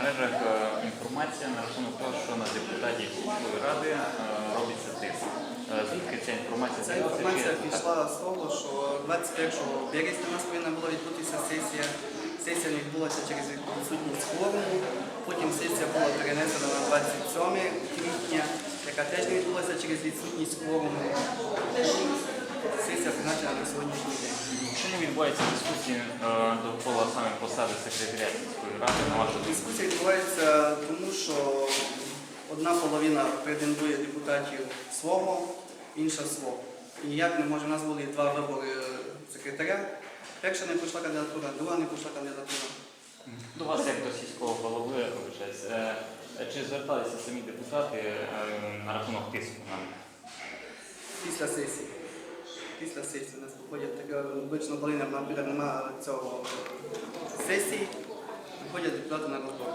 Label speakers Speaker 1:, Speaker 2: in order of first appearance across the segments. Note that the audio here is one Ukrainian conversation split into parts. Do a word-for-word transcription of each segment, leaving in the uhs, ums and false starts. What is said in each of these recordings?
Speaker 1: мережах е, інформація на рахунок того, що на депутатів сільської ради е, робиться тиск. Е, Звідки ця інформація
Speaker 2: Ця
Speaker 1: з'явилася?
Speaker 2: інформація
Speaker 1: Чи-
Speaker 2: пішла з того, що двадцять першого березня у нас повинна була відбутися сесія. Сесія не відбулася через відсутність кворуму. Потім сесія була перенесена на двадцять сьоме квітня, яка теж не відбулася через відсутність кворуму. Сесія призначена на сьогоднішній день.
Speaker 1: Чому відбуваються дискусії е, довкола саме посади секретаря сільської ради? На вашу думку?
Speaker 2: Дискусія відбувається тому, що одна половина претендує депутатів свого, інша свого. І ніяк не може, у нас були два вибори секретаря. Перша не пройшла кандидатура, друга не пройшла кандидатура.
Speaker 1: До вас, як до сільського голови, вибачаюсь, е, чи зверталися самі депутати е, на рахунок тиску на них?
Speaker 2: Після сесії. Після сесії у нас виходять таке, обично, коли наприклад, немає цього сесії, виходять депутати на розбор.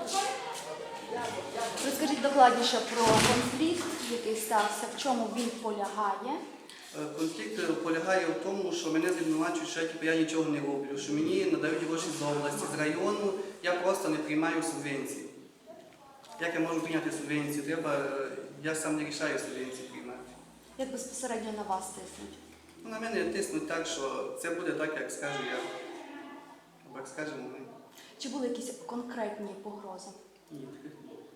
Speaker 3: Розкажіть докладніше про конфлікт, який стався, в чому він полягає.
Speaker 2: Конфлікт полягає в тому, що мене звинувачують, що я, типу, я нічого не роблю, що мені надають гроші з області, з району, я просто не приймаю субвенції. Як я можу прийняти субвенцію? Треба, я сам не рішаю субвенції приймати.
Speaker 3: Як безпосередньо на вас тиснуть?
Speaker 2: Ну, на мене тиснуть так, що це буде так, як скажу я. Або як скажемо ми.
Speaker 3: Чи були якісь конкретні погрози?
Speaker 2: Ні, таких не було.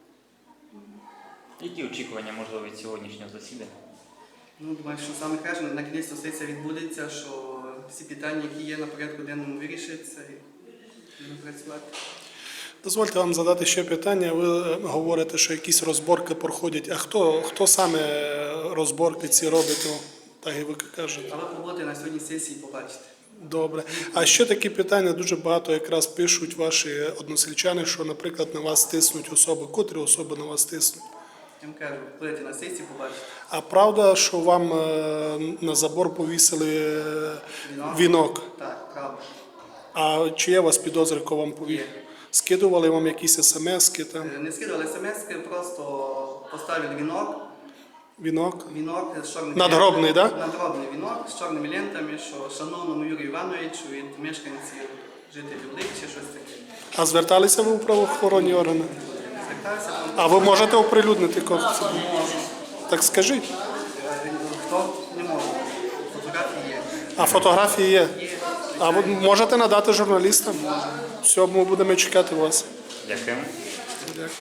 Speaker 1: Які очікування, можливо, від сьогоднішнього засідання?
Speaker 2: Ну, думаю, що саме краще, на кінець сесія відбудеться, що всі питання, які є на порядку денному, вирішаться і будемо працювати.
Speaker 4: Дозвольте вам задати ще питання. Ви говорите, що якісь розборки проходять. А хто, хто саме розборки ці робить? Ну, так і ви кажете.
Speaker 2: А ви побудете на сьогодні сесії побачите.
Speaker 1: Добре.
Speaker 5: А ще такі питання дуже багато якраз пишуть ваші односельчани, що, наприклад, на вас тиснуть особи. Котрі особи на вас тиснуть?
Speaker 2: Я вам кажу, будете на сесії побачите.
Speaker 5: А правда, що вам е, на забор повісили е,
Speaker 2: Вінок?
Speaker 5: вінок?
Speaker 2: Так, правда.
Speaker 5: А чи є у вас підозри, кого вам повісили?
Speaker 2: Є.
Speaker 5: Скидували вам якісь смски там?
Speaker 2: Е, Не скидували смс-ки, просто поставили вінок.
Speaker 5: Вінок?
Speaker 2: Вінок з чорними
Speaker 5: Надгробний,
Speaker 2: лентами.
Speaker 5: да?
Speaker 2: Надгробний вінок з чорними лентами, що шановному Юрію Івановичу від мешканців, жителів Лик чи щось таке.
Speaker 5: А зверталися ви у правоохоронні органи?
Speaker 2: Звертався там.
Speaker 5: А ви можете оприлюднити кого?
Speaker 2: Можу.
Speaker 5: Так скажіть.
Speaker 2: Е, Хто не може? Фотографії є.
Speaker 5: А фотографії є?
Speaker 2: Є.
Speaker 5: А ви можете надати журналістам? Все, ми будемо чекати вас.
Speaker 1: Дякую.
Speaker 5: Дякую.